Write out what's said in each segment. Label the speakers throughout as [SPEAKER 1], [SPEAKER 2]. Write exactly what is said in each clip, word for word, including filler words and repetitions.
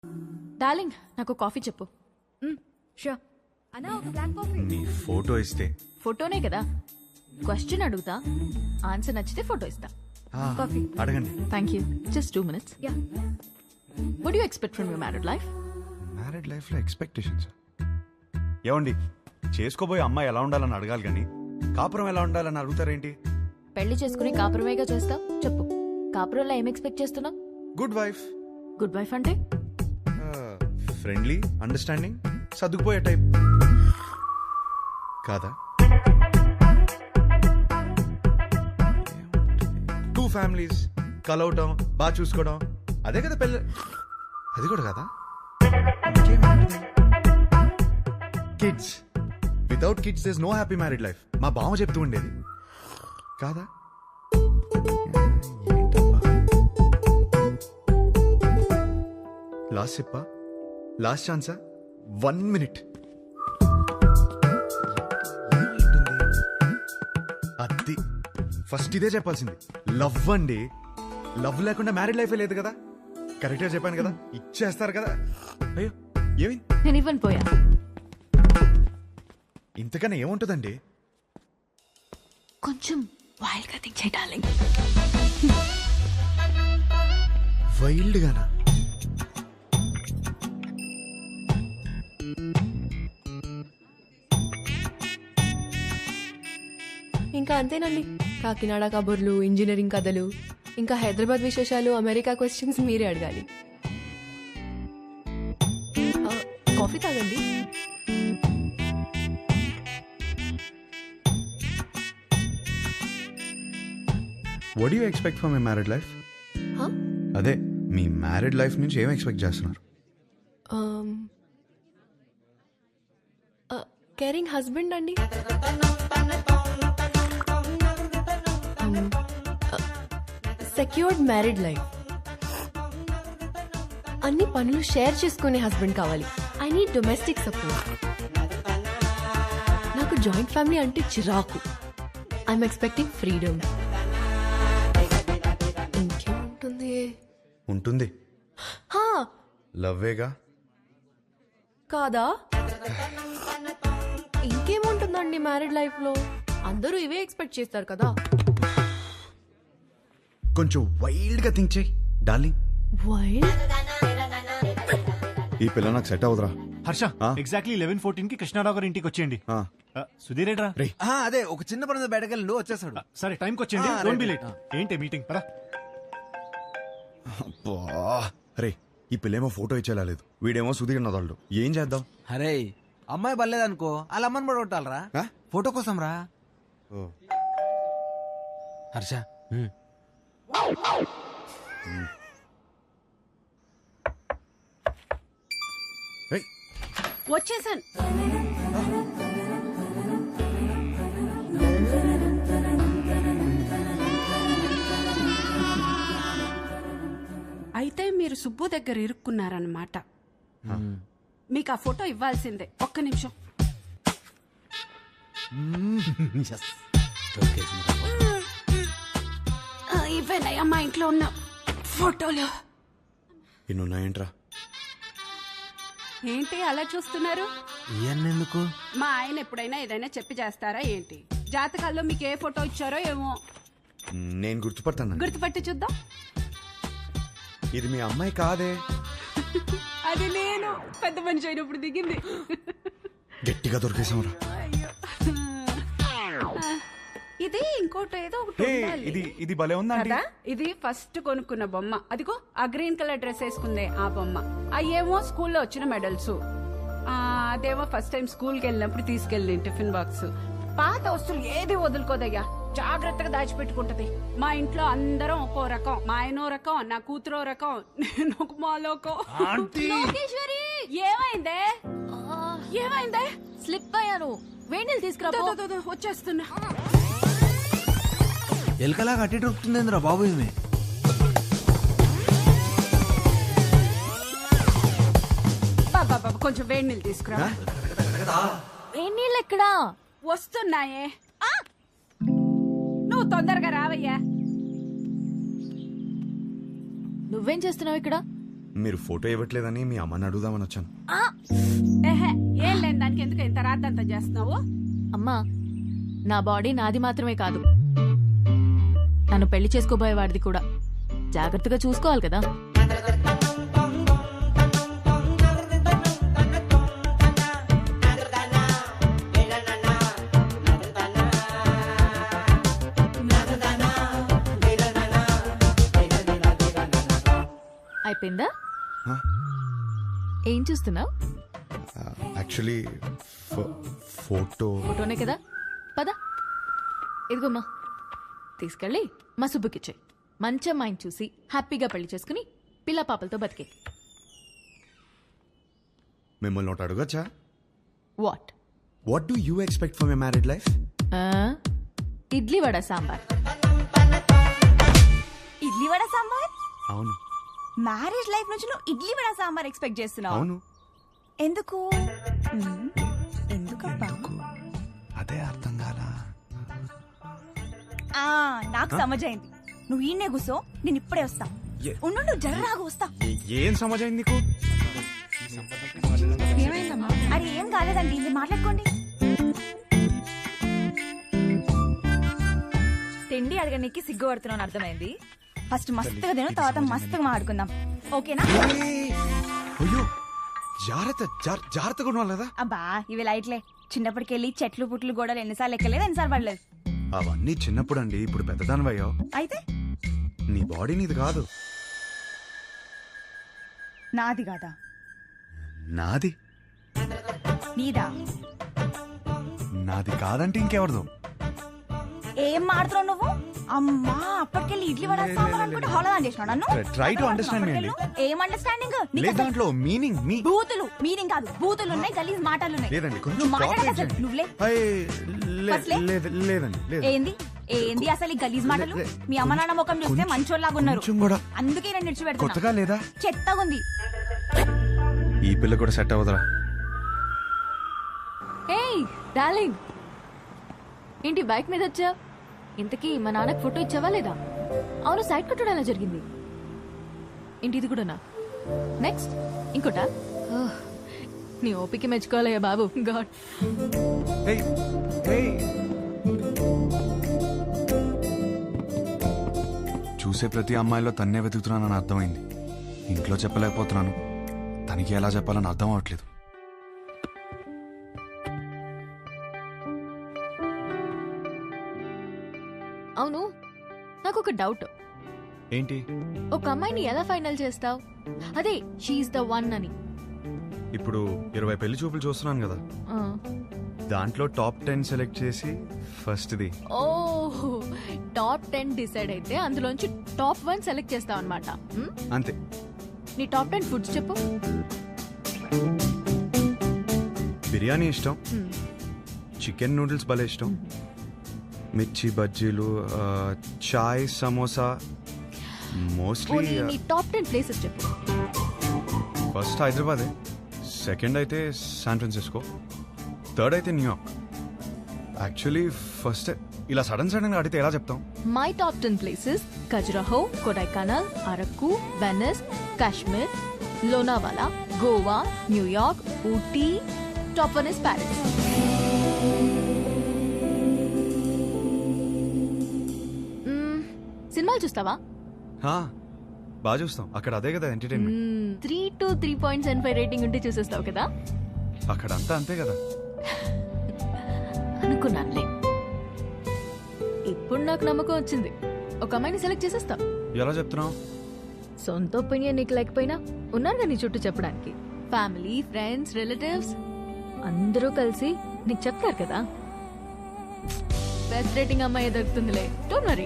[SPEAKER 1] Darling నాకు coffee చెప్పు.
[SPEAKER 2] Sure అన్నా, ఒక బ్లాక్ కాఫీ.
[SPEAKER 3] నీ ఫోటో ఇస్తే
[SPEAKER 1] ఫోటోనే కదా, క్వశ్చన్ అడుగుతా, ఆన్సర్ నచ్చితే ఫోటో ఇస్తా.
[SPEAKER 3] ఆ,
[SPEAKER 2] కాఫీ.
[SPEAKER 3] అడగండి.
[SPEAKER 1] Thank you. Just two minutes.
[SPEAKER 2] Yeah.
[SPEAKER 1] What you expect from your married life?
[SPEAKER 3] Married life లో ఎక్స్పెక్టేషన్స్ ఏమండి? చేసుకోబోయే అమ్మాయి ఎలా ఉండాలని అడగాలి కానీ కాపురం ఎలా ఉండాలని అడుగుతారేంటి?
[SPEAKER 1] పెళ్లి చేసుకుని కాపురమేగా చేస్తావు. చెప్పు, కాపురంలో ఏం ఎక్స్పెక్ట్ చేస్తున్నావు?
[SPEAKER 3] గుడ్ వైఫ్,
[SPEAKER 1] గుడ్ వైఫ్ అంటే
[SPEAKER 3] ఫ్రెండ్లీ, అండర్స్టాండింగ్, సర్దుకుపోయే టైప్ కాదా? టూ ఫ్యామిలీస్ కలవటం, బాగా చూసుకోవడం, అదే కదా పెళ్ళి. అది కూడా కదా. Kids, without kids there is no happy married life. మా బావ చెప్తూ ఉండేది కాదా? లాస్ట్ చెప్పా, లాస్ట్ ఛాన్సా, వన్ మినిట్. అది ఫస్ట్ ఇదే చెప్పాల్సింది. లవ్ అండి, లవ్ లేకుండా మ్యారీడ్ లైఫే లేదు కదా. కరెక్ట్గా చెప్పాను కదా, ఇచ్చేస్తారు కదా. అయ్యో ఏమి,
[SPEAKER 1] నేను ఇవ్వను పోయా.
[SPEAKER 3] ఇంతకన్నా ఏముంటుందండి?
[SPEAKER 1] కొంచెం వైల్డ్ గా థింక్ చేయి డార్లింగ్.
[SPEAKER 3] వైల్డ్ గానా?
[SPEAKER 2] ఇంకా అంతేనండి. కాకినాడ కబుర్లు, ఇంజనీరింగ్ కథలు, ఇంకా హైదరాబాద్ విశేషాలు, అమెరికా క్వశ్చన్స్ మీరే అడగాలి. ఆ, కాఫీ తాగండి.
[SPEAKER 3] What you expect from my married life?
[SPEAKER 2] హా?
[SPEAKER 3] అదే మీ మ్యారీడ్ లైఫ్ నుంచి ఏం ఎక్స్పెక్ట్ చేస్తున్నారు?
[SPEAKER 2] కేరింగ్ హస్బెండ్ అండి. Secured married life. అన్ని పనులు షేర్ చేసుకునే హస్బెండ్ కావాలి. I need domestic support. నాకు జాయింట్ ఫ్యామిలీ అంటే చిరాకు. I'm expecting freedom. ఇంకేముంటుంది?
[SPEAKER 3] ఉంటుంది,
[SPEAKER 2] హా,
[SPEAKER 3] లవ్వేగా.
[SPEAKER 2] కాదా? ఇంకేముంటుందండి మ్యారీడ్ లైఫ్ లో? అందరూ ఇవే ఎక్స్పెక్ట్ చేస్తారు కదా.
[SPEAKER 3] కొంచెం వైల్డ్ గా థింక్ చేయి డార్లింగ్.
[SPEAKER 2] వైల్డ్?
[SPEAKER 3] ఈ పిల్ల నాకు సెట్ అవుదరా.
[SPEAKER 4] హర్ష,
[SPEAKER 3] ఆ?
[SPEAKER 4] ఎగ్జాక్ట్లీ లెవెన్ ఫోర్టీన్ కి కృష్ణారావు గారి ఇంటికి వచ్చేయండి.
[SPEAKER 3] ఆ.
[SPEAKER 4] ఆ, సుధీర్ ఏట్రా?
[SPEAKER 3] రే
[SPEAKER 5] ఆ, అదే ఒక చిన్న పని బయటకెళ్ళి వచ్చేసాడు.
[SPEAKER 4] ఆ, సరే టైంకి వచ్చేయండి.
[SPEAKER 5] ఆ,
[SPEAKER 4] డోంట్ బి
[SPEAKER 5] రైట్.
[SPEAKER 4] లేట్. ఏంటి మీటింగ్ పరా?
[SPEAKER 3] అబ్బా, రే ఈ పిల్లేమో ఫోటో ఇచ్చేలా లేదు, వీడేమో సుధీర్ నదాళ్ళు. ఏం చేద్దాం?
[SPEAKER 5] అరే అమ్మాయి బలేదనుకో, వాళ్ళ అమ్మని కూడా కొట్టాలరా.
[SPEAKER 3] ఆ?
[SPEAKER 5] ఫోటో కోసం రా.
[SPEAKER 3] ఓ.
[SPEAKER 5] హర్ష
[SPEAKER 3] రేయ్,
[SPEAKER 6] వచ్చేసాను. అయితే మీరు సుబ్బు దగ్గర ఇరుక్కున్నారన్నమాట. మీకు ఆ ఫోటో ఇవ్వాల్సిందే. ఒక్క నిమిషం. ఆ, ఇవేనయ్యా మా ఇంట్లో ఉన్న ఫోటోలు.
[SPEAKER 3] ఇన్నున్నాయేంట్రా?
[SPEAKER 6] ఏంటి అలా చూస్తున్నారు?
[SPEAKER 5] ఎందుకు?
[SPEAKER 6] మా ఆయన ఎప్పుడైనా ఏదైనా చెప్పి చేస్తారా ఏంటి? జాతకాల్లో మీకు ఏ ఫోటో ఇచ్చారో ఏమో.
[SPEAKER 3] నేను గుర్తుపడతాను.
[SPEAKER 6] గుర్తుపట్టి చూద్దాం.
[SPEAKER 3] ఇది మీ అమ్మాయి కాదే.
[SPEAKER 6] అది నేను పెద్ద మనిషి అయినప్పుడు దిగింది.
[SPEAKER 3] గట్టిగా దొరికేసాంరా.
[SPEAKER 6] ఇది ఇంకోటి ఏదో ఒకటి
[SPEAKER 4] హే,
[SPEAKER 6] ఉండాలి.
[SPEAKER 4] ఇది ఇది భలే ఉందా
[SPEAKER 6] కదా, ఇది ఫస్ట్ కొనుక్కున్న బొమ్మ. అదిగో ఆ గ్రీన్ కలర్ డ్రెస్ వేసుకుందే ఆ బొమ్మ. అయ్యేమో స్కూల్లో వచ్చిన మెడల్స్. అదేమో ఫస్ట్ టైం స్కూల్ కి వెళ్ళినప్పుడు తీసుకెళ్ళి టిఫిన్ బాక్స్. పాత వస్తువులు ఏది వదులుకోదయ్యా, జాగ్రత్తగా దాచిపెట్టుకుంటది. మా ఇంట్లో అందరం ఒక్కో రకం. మా ఆయనో రకం, నా కూతురో రకం, నేను ఒక మాలోకం. లోకేశ్వరి, ఏమైందే? ఏమైందే?
[SPEAKER 1] స్లిప్ అయ్యాను. వేణీలు తీసుకురా
[SPEAKER 6] దో,
[SPEAKER 1] పో.
[SPEAKER 6] దో, దో, వచ్చేస్తున్నా.
[SPEAKER 5] ఎలకలా కట్టి దొరుకుతుందేంద్రా బాబు ఈమె.
[SPEAKER 6] బాబా బాబా, కొంచెం వేడి నీళ్ళు తీసుకురా.
[SPEAKER 1] వేణీళ్ళు ఎక్కడా?
[SPEAKER 6] వస్తున్నాయే. ఆ! నువ్వు తొందరగా రావయ్యా.
[SPEAKER 1] నువ్వేం చేస్తున్నావు ఇక్కడ?
[SPEAKER 3] మీరు ఫోటో ఇవ్వట్లేదని మీ అమ్మని అడుగుదామని వచ్చాను.
[SPEAKER 6] ఆ, ఏహే, ఏం లేని దానికి ఎందుకు ఇంత రాద్దంతా చేస్తున్నావు?
[SPEAKER 1] అమ్మా నా బాడీ నాది మాత్రమే కాదు, నన్ను పెళ్లి చేసుకోబోయేవాడిది కూడా. జాగ్రత్తగా చూసుకోవాలి కదా. అయిపోయిందా?
[SPEAKER 3] Huh?
[SPEAKER 1] ఏం చూస్తున్నావు?
[SPEAKER 3] యాక్చువల్లీ ఫోటో
[SPEAKER 1] ఫోటోనే కదా, పద. ఇదిగోమ్మా, తీసుకెళ్ళి మా సుబ్బుకిచ్చే. మంచి అమ్మాయిని చూసి హ్యాపీగా పెళ్లి చేసుకుని పిల్ల పాపలతో బతికే.
[SPEAKER 3] మిమ్మల్ని ఒకటి అడగచ్చా?
[SPEAKER 1] What?
[SPEAKER 3] What do you expect for my married life?
[SPEAKER 1] Idli vada sambar.
[SPEAKER 7] Idli vada sambar?
[SPEAKER 3] అవును
[SPEAKER 7] మ్యారేజ్ లైఫ్ నుంచి నువ్వు ఇడ్లీ వడ సాంబార్ ఎక్స్పెక్ట్ చేస్తున్నావు?
[SPEAKER 3] అవును.
[SPEAKER 7] ఎందుకు? మ్మ్. ఎందుకబ్బా?
[SPEAKER 3] అదే అర్థం కాలా.
[SPEAKER 7] ఆ, నాకు సమజైంది. నువ్వు ఈయనే కూసో, నేను ఇప్పుడే వస్తా.
[SPEAKER 3] ఏ-
[SPEAKER 7] ఉండు నువ్వు జర్రాగా వస్తా.
[SPEAKER 3] ఏ- ఏం సమాజం నీకు?
[SPEAKER 7] అరే ఏం కాలేదండి, మీరు మాట్లాడుకోండి. తిండి అడగడానికి సిగ్గు పడుతున్నాను అర్థమైంది. ఫస్ట్ మస్తుగా తిను, తర్వాత మస్తుగా మాట్లాడుకుందాం, ఓకేనా?
[SPEAKER 3] ఏయ్! అయ్యో జాగ్రత్త, జార్- జాగ్రత్తగా ఉండాలి కదా.
[SPEAKER 7] అబ్బా ఇవి లైట్లే. చిన్నప్పటికెళ్ళి చెట్లు పుట్లు గోడలు ఎన్నిసార్లు ఎక్కలేదు, ఎన్నిసార్లు పడలేదు.
[SPEAKER 3] అవన్నీ చిన్నప్పుడు అండి, ఇప్పుడు పెద్దదానివయ్యో.
[SPEAKER 7] అయితే
[SPEAKER 3] నీ బాడీ నీది కాదు,
[SPEAKER 7] నాది కాదా?
[SPEAKER 3] నాది.
[SPEAKER 7] నీదా?
[SPEAKER 3] నాది కాదంటే ఇంకెవరిదో.
[SPEAKER 7] ఏం మాడుతున్నావు నువ్వు? అమ్మా అప్పటికెళ్ళి ఇడ్లీ వడ
[SPEAKER 3] లే,
[SPEAKER 7] సాంబార్
[SPEAKER 3] లే,
[SPEAKER 7] అనుకుంటే
[SPEAKER 3] లే.
[SPEAKER 7] హోళదా చేసినావు నన్ను.
[SPEAKER 3] Try to understand me అండి.
[SPEAKER 7] ఏం అండర్స్టాండింగ్?
[SPEAKER 3] లేదు దాంట్లో మీనింగ్ మీ
[SPEAKER 7] బూతులు మీనింగ్ కాదు, బూతులు ఉన్నాయి, గలీజ్ మాటలు ఉన్నాయి.
[SPEAKER 3] లేదండి కొంచెం
[SPEAKER 7] నువ్వు మాట్లాడక
[SPEAKER 3] cooperate
[SPEAKER 7] అసలు
[SPEAKER 3] చేయండి.
[SPEAKER 7] నువ్వులే.
[SPEAKER 3] అయ్, లే-
[SPEAKER 7] ఫస్ట్లే?
[SPEAKER 3] లేదు- లేదండి లేదు.
[SPEAKER 7] ఏంది ఏంది అసలు ఈ గలీజ్ మాటలు?
[SPEAKER 3] లే-
[SPEAKER 7] మీ అమ్మ నాన్న ముఖం చూస్తే
[SPEAKER 3] కొంచెం-
[SPEAKER 7] మంచోళ్ళలాగా ఉన్నారు,
[SPEAKER 3] కొంచెం కూడా
[SPEAKER 7] అందుకే నేను నిడిచిపెడుతున్నా.
[SPEAKER 3] కొత్తగా లేదా?
[SPEAKER 7] చెత్తగా ఉంది.
[SPEAKER 3] ఈ పిల్ల కూడా సెట్ అవుదరా.
[SPEAKER 1] ఏయ్ డార్లింగ్, ఏంటి బైక్ మీద వచ్చా? ఇంతకీ మా నాన్నకి ఫోటో ఇచ్చావా లేదా? అవును, సైడ్ కొట్టడం ఎలా జరిగింది? ఏంటి ఇది కూడానా? నెక్స్ట్ ఇంకోటా? ఓహ్, నీ ఓపిక మెచ్చుకోవాలయ్యా బాబు. గాడ్.
[SPEAKER 3] ఏయ్, ఏయ్. చూసే ప్రతి అమ్మాయిలో తన్నే వెతుకుతున్నానని అర్థమైంది. ఇంట్లో చెప్పలేకపోతున్నాను, తనకి ఎలా చెప్పాలని అర్థం అవట్లేదు.
[SPEAKER 1] అవును, నాకు ఒక డౌట్.
[SPEAKER 3] ఏంటి?
[SPEAKER 1] ఒక అమ్మాయిని ఎలా ఫైనల్ చేస్తావు? అదే షీఈ్ ద వన్ అని.
[SPEAKER 3] ఇప్పుడు ఇరవై పెళ్లి చూపులు చూస్తున్నాను కదా,
[SPEAKER 1] ఆ.
[SPEAKER 3] దాంట్లో టాప్ టెన్ సెలెక్ట్ చేసి ఫస్ట్ది.
[SPEAKER 1] ఓహ్, టాప్ టెన్ డిసైడ్ అయితే అందులోంచి టాప్ వన్ సెలెక్ట్ చేస్తావు అనమాట.
[SPEAKER 3] అంతే.
[SPEAKER 1] నీ టాప్ టెన్ ఫుడ్స్ చెప్పు.
[SPEAKER 3] బిర్యానీ ఇష్టం,
[SPEAKER 1] మ్మ్.
[SPEAKER 3] చికెన్ నూడిల్స్ భలే ఇష్టం, మిర్చి బజ్జీలు, ఆ, చాయ్, సమోసా. మోస్ట్లీ
[SPEAKER 1] పోనీ నీ టాప్ టెన్ ప్లేసెస్ చెప్పు.
[SPEAKER 3] ఫస్ట్ హైదరాబాదే, సెకండ్ అయితే శాన్ ఫ్రాన్సిస్కో, థర్డ్ అయితే న్యూయార్క్. యాక్చువల్లీ ఫస్ట్ ఇలా సడన్ సడన్ గా అడిగితే ఎలా చెప్తాం?
[SPEAKER 1] My top ten places: Khajuraho, Kodaikanal, Araku, Venice, Kashmir, Lonavala, Goa, New York, Ooty. Top one is Paris. సినిమాలు చూస్తావా?
[SPEAKER 3] హా, బాగా చూస్తాం. అక్కడ అదే కదా entertainment.
[SPEAKER 1] Three to three point seven five rating ఉంటే చూసేస్తావు కదా.
[SPEAKER 3] అక్కడ అంతా అంతే కదా.
[SPEAKER 1] అనుకున్నానులే. ఇప్పుడు నాకు నమ్మకం వచ్చింది, ఒక అమ్మాయిని సెలెక్ట్ చేసేస్తావు.
[SPEAKER 3] ఎలా చెప్తున్నావు?
[SPEAKER 1] సొంత ఒపీనియన్ నీకు లేకపోయినా ఉన్నారు నీ చుట్టూ చెప్పడానికి. ఫ్యామిలీ, ఫ్రెండ్స్, రిలేటివ్స్ అందరూ కలిసి నీకు చెప్తారు కదా. బెస్ట్ రేటింగ్ అమ్మాయి దొరుకుతుందిలే, డోంట్ వరీ.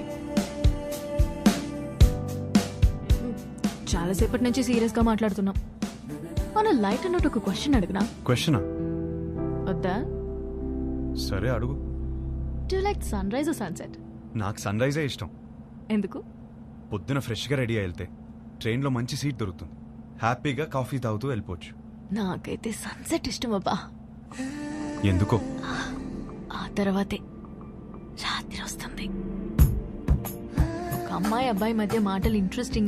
[SPEAKER 1] చాలాసేపటి నుంచి సీరియస్ గా మాట్లాడుతున్నాం. మన లైట్ అన్నట్టు ఒక క్వశ్చన్ అడుగునా?
[SPEAKER 3] క్వశ్చనా?
[SPEAKER 1] వద్దా?
[SPEAKER 3] సరే అడుగు.
[SPEAKER 1] Do like sunrise sunset?
[SPEAKER 3] నాకు సన్ రైజే ఇష్టం.
[SPEAKER 1] ఎందుకు?
[SPEAKER 3] పొద్దున ఫ్రెష్గా రెడీ అయి వెళ్తే ట్రైన్లో మంచి సీట్ దొరుకుతుంది, హ్యాపీగా కాఫీ తాగుతూ వెళ్ళిపోవచ్చు.
[SPEAKER 1] నాకైతే సన్సెట్ ఇష్టం అబ్బా.
[SPEAKER 3] ఎందుకో?
[SPEAKER 1] ఆ తర్వాతే రాత్రి వస్తుంది. ఒక అమ్మాయి అబ్బాయి మధ్య మాటలు ఇంట్రెస్టింగ్